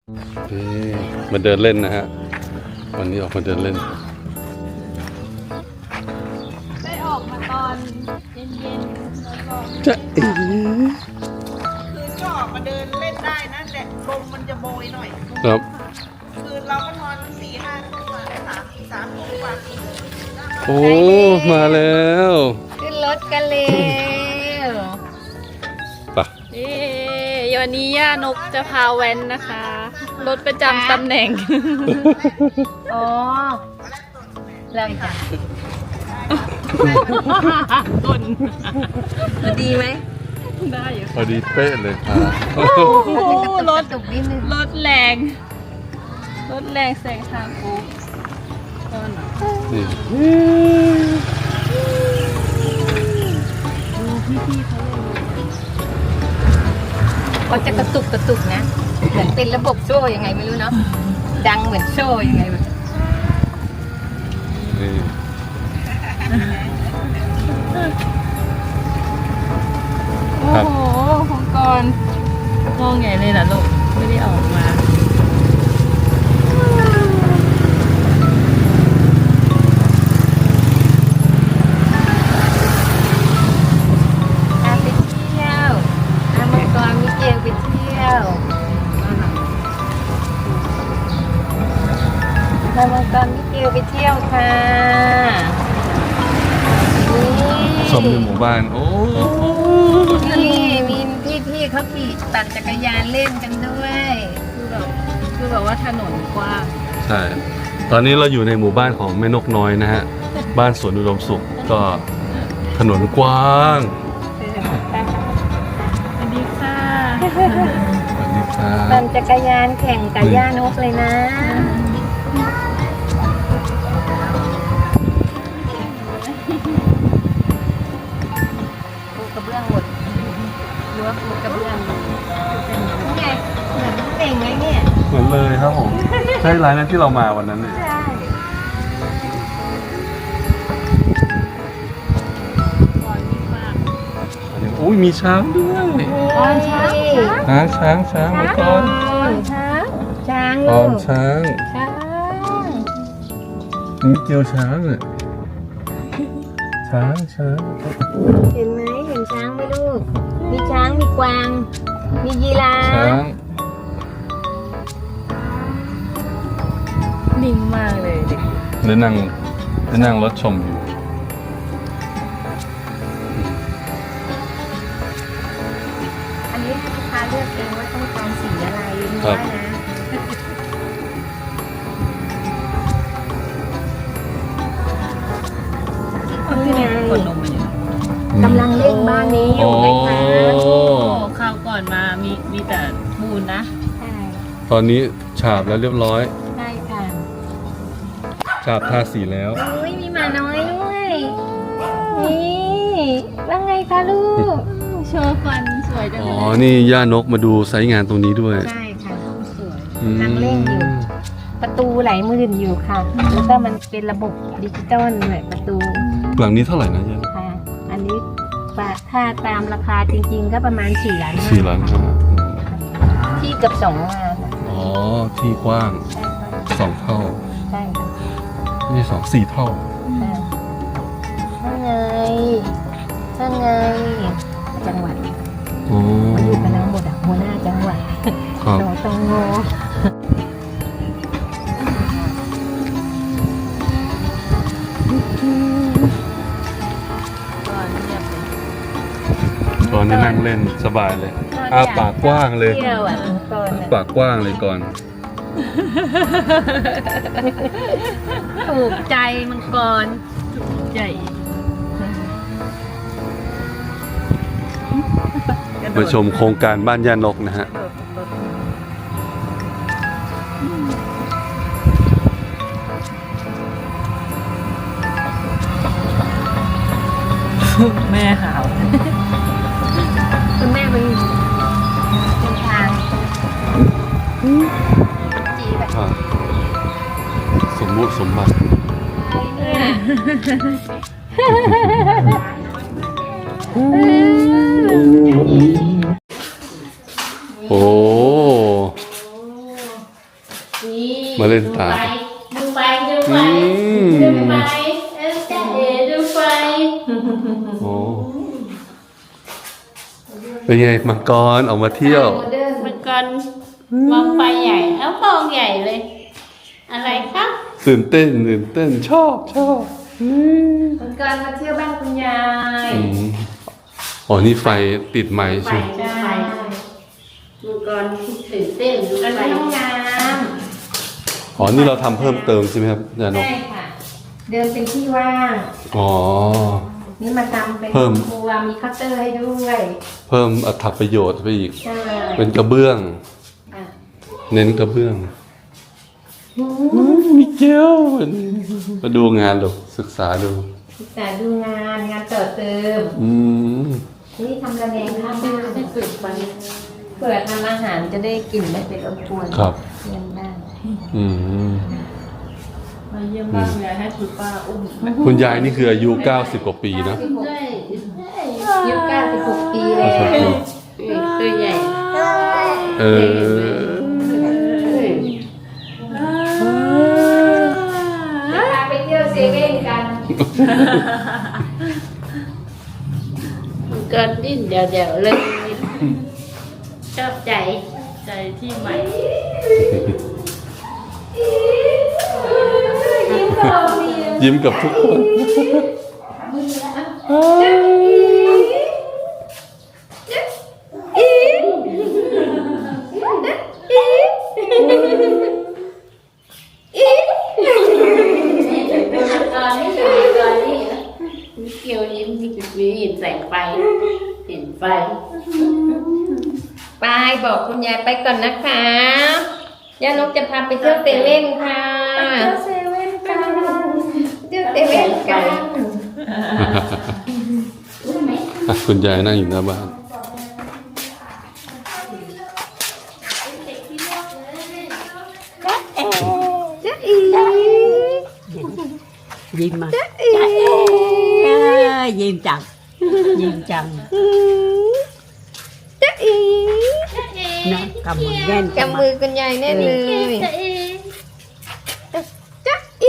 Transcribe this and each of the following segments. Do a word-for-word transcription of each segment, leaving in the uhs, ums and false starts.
มาเดินเล่นนะฮะวันนี้ออกมาเดินเล่นได้ออกมาตอนเย็นๆแล้วก็จะเอ๋คือก็ออกมาเดินเล่นได้นะแต่ลมมันจะโบยหน่อยครับคือเราก็นอนสี่ห้าทุ่มกว่าสามสามทุ่มกว่าโอ้มาแล้วขึ้นรถกันเลยปะเอ๊ะวันนี้ย่านกจะพาแว้นนะคะรถประจำตำแหน่งอ๋อแล้วจ้ะต้นดีไหมได้อยู่พอดีเป๊ะเลยครับโอ้โหรถตกนิดนึงรถแรงรถแรงแซงทางโค้งต้นนี่ดูพี่ๆเขาเลยเขาจะกระตุกกระตุกนะเหมือนเป็นระบบโซ่ยังไงไม่รู้เนาะดังเหมือนโซ่ยังไงแบบนี่โอ้โหของกรมองใหญ่เลยนะลูกไม่ได้ออกมาอาไปเที่ยวอามังกรมิเกลไปเที่ยวอามังกรมิเกลไปเที่ยวค่ะชมในหมู่บ้านโอ้นี่มีพี่ๆเขาขี่ปั่นจักรยานเล่นกันด้วยคือแบบคือแบบว่าถนนกว้างใช่ตอนนี้เราอยู่ในหมู่บ้านของแม่นกน้อยนะฮะบ้านสวนอุดมสุขก็ถนนกว้างสวัสดีค่ะสวัสดีค่ะปั่นจักรยานแข่งกับย่านกเลยนะกระเบื้องหมดรั้วปูกระเบื้องนี่ไงเหมือนเต่งไงเนี่ยเหมือนเลยครับผมใช่ร้านนั้นที่เรามาวันนั้นเนี่ยใช่ก่อนนี้มากโอ้ยมีช้างด้วยก่อนช้างช้างช้างช้างมาก่อนช้างช้างก่ลูอนกช้างช้างมีเกียวช้างเลยช้างช้างเห็นไหมเห็นช้างไหมลูกมีช้างมีกวางมียีราฟช้างนิ่งมากเลยเด็กได้นั่งได้นั่งรถชมอยู่อันนี้ให้ลูกค้าเลือกเองว่าต้องการสีอะไรได้นะที่นี่คนลงมาอยู่กำลังเล่นบ้านนี้อยู่ไหมคะโอ้คราวก่อนมามีมีแต่ปูนนะใช่ตอนนี้ฉาบแล้วเรียบร้อยใช่ค่ะฉาบทาสีแล้วอุ้ยมีหมาน้อยด้วยนี่ว่าไงคะลูกโชว์ฟันสวยจังอ๋เลอยนี่ย่านกมาดูไซต์งานตรงนี้ด้วยใช่ค่ะสวยนั่งเล่นอยู่ประตูไหลหมื่นอยู่ค่ะแล้วก็มันเป็นระบบดิจิตอลเลยประตูหลังนี้เท่าไหร่นะย่าค่ะอันนี้ถ้าตามราคาจริงๆก็ประมาณสี่ล้านสี่ล้านห้าที่กับสองงานอ๋อที่กว้างสองเท่าใช่ค่ะนี่สองสี่เท่าถ้าไงถ้าไงจังหวัดอ๋อมาอยู่กันทั้งหมดอ่ะหัวหน้าจังหวัดสตงตอนนี้นั่งเล่นสบายเลยอ้าปากกว้างเลยปากกว้างเลยก่อนถูกใจมังกรถูกใจมาชมโครงการบ้านย่านกนะฮะแม่หาวคุณแม่เป็นเป็นทางจีแบบสมบูรณ์สมบัติโอ้นี่มาเล่นตามดูไฟดูไฟอืมดูไฟเออจ้าเอ๋ดูไฟโอ้เป็นไงมังกรออกมาเที่ยวโมเดิร์นมันก่อนมองไฟใหญ่แล้วมองใหญ่เลย อะไรครับตื่นเต้นตื่นเต้นชอบชอบอืมมันก่อนมาเที่ยวบ้านคุณยายอืมอ๋อนี่ไฟติดไหมไฟใช่ไหมใช่มันก่อนตื่นเต้นดูไฟห้องน้อ๋อนี่เราทำเพิ่มเติมใช่ไหมครับยาำนกใช่ค่ะ เดินเป็นที่ว่างอ๋อนี่มาทำเป็นเพิ่มครัวมีคัตเตอร์ให้ด้วยเพิ่มอรรถประโยชน์ไปอีกใช่เป็นกระเบื้องอ่ะเน้นกระเบื้องมีเกลมาดูงานหรอศึกษาดูศึกษาดูงานงานต่อเติมอืมนี่ทำระแนงข้าวบ้านให้เปิดไฟเปิดทำอาหารจะได้กลิ่นไม่เป็นรบกวนครับเยี่ยมบ้านอืมมาเยี่ยมบ้านคุณยายให้คุณป้าอุ้มคุณยายนี่คืออายุเก้าสิบกว่าปีนะได้ยี่สิบเก้าสิบหกปีแล้วตัวใหญ่เออพาไปเที่ยวเซเว่นกันเกินดิ้นเดี๋ยวเดี๋ยวเลยชอบใจใจที่ใหม่ยิ้มกับทุกคนตอนนี้อยู่ตอนนี้มีเกียวยิ้มมีจุดมีเห็นแสงไฟเห็นไฟไปบอกคุณยายไปก่อนนะคะย่านกจะพาไปเที่ยวเซเว่นค่ะเที่ยวเซเว่นกันเที่ยวเซเว่นกันคุณยายนั่งอยู่หน้าบ้านจ๊ะอียิ้มมาจ๊ะอีเอ้ยยิ้มจัง ยิ้มจังจ๊ะอีนะกำมือแน่นกำมือคุณยายแน่นเลยจะเอจ๊ะอี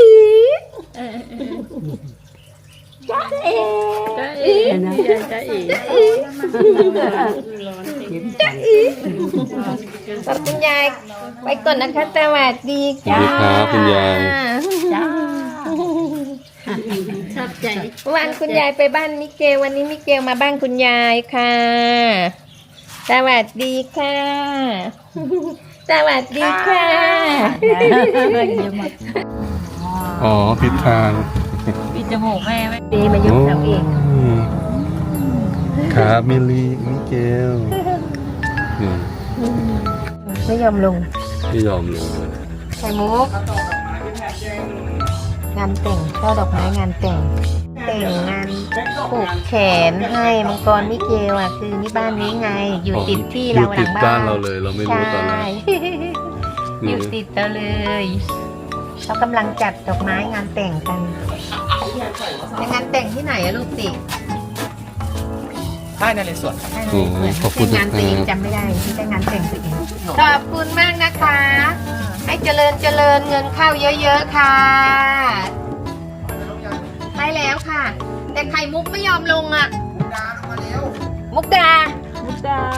จะเอนะจะเอยิ้มจังขอบคุณยายไปก่อนนะคะสวัสดีสวัสดีครับคุณยายจ้าชอบใจวันคุณยายไปบ้านมิเกลวันนี้มิเกลมาบ้านคุณยายค่ะ สวัสดีค่ะ สวัสดีค่ะยิ้มมาอ๋อผิดทางปิดจมูกแม่ไหมดีมายกเสาเองครับมิลลีมิเกลนี่ไม่ยอมลงไม่ยอมลงเลยไข่มุกงานแต่งช่อดอกไม้งานแต่ง แต่งงานผูกแขนให้มังกรมิเกลอ่ะคือนี่บ้านนี้ไง อยู่ติดที่เราอยู่หติลัดงบ้าบ้าน นเราเลย เราไม่รู้ตอนแรใช่กอยู่ติดเราเลยเขากำลังจัดดอกไม้งานแต่งกันเป็นงานแต่งที่ไหนอะลูกติค่ายนเรศวรโอ้ขอบคุณงานตัวเองนะครับจำไม่ได้ที่ได้งานแต่งตัวเองขอบคุณมากนะคะ ให้เจริญเจริญเงินเข้าเยอะๆค่ะใช่แล้วค่ะ แต่ไข่มุกไม่ยอมลงอ่ะมุกดามุกดา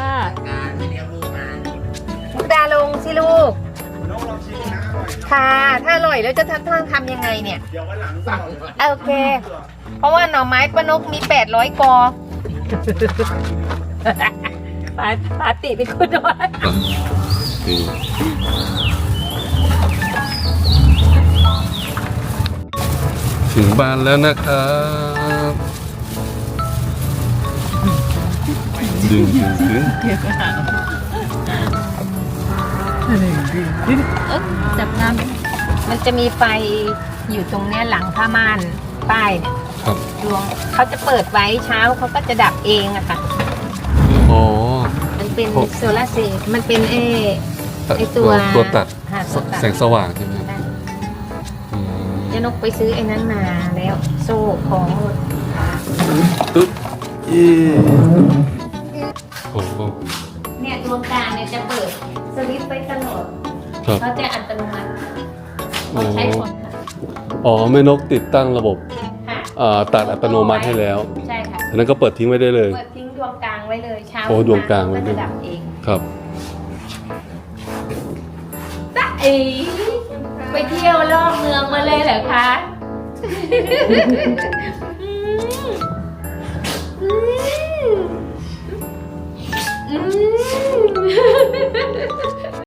มุกดาลงสิลูกค่ะ ถ้าอร่อยแล้วจะทำทำยังไงเนี่ยเดี๋ยววันหลังสั่งโอเค เพราะว่าหน่อไม้ป้านกมีแปดร้อยกอปาปาติเป็นคนด้วยนี่ถึงบ้านแล้วนะครับดึงดึงดึงจับน้มันจะมีไฟอยู่ตรงเนี้ยหลังผ้าม่านป้ายเนี่ยครับดวงเขาจะเปิดไว้เช้าเขาก็จะดับเองอะค่ะอ๋อมันเป็นโอ้โซลาร์เซลล์มันเป็นเอไอตัวตัวตัดหาตัวตัดแสงสว่างใช่ไหมได้อืมเจะนกไปซื้อไอ้นั้นมาแล้ว โซ่ของอึ๊บเอ๊ะโอ้โหเนี่ยดวงกลางเนี่ยจะเปิดสวิตช์ไว้ตลอดครับเขาจะอัตโนมัติต้องใช้คนค่ะอ๋อแม่นกติดตั้งระบบค่ะอ่าตัดอัตโนมัติให้แล้วใช่ค่ะอันนั้นก็เปิดทิ้งไว้ได้เลยเปิดทิ้งดวงกลางไว้เลยเช้าโอ้ดวงกลางไว้ไว้ด้วยดับเองครับตะเอ๋ไปเที่ยวรอบเมืองมาเลยเหรอคะ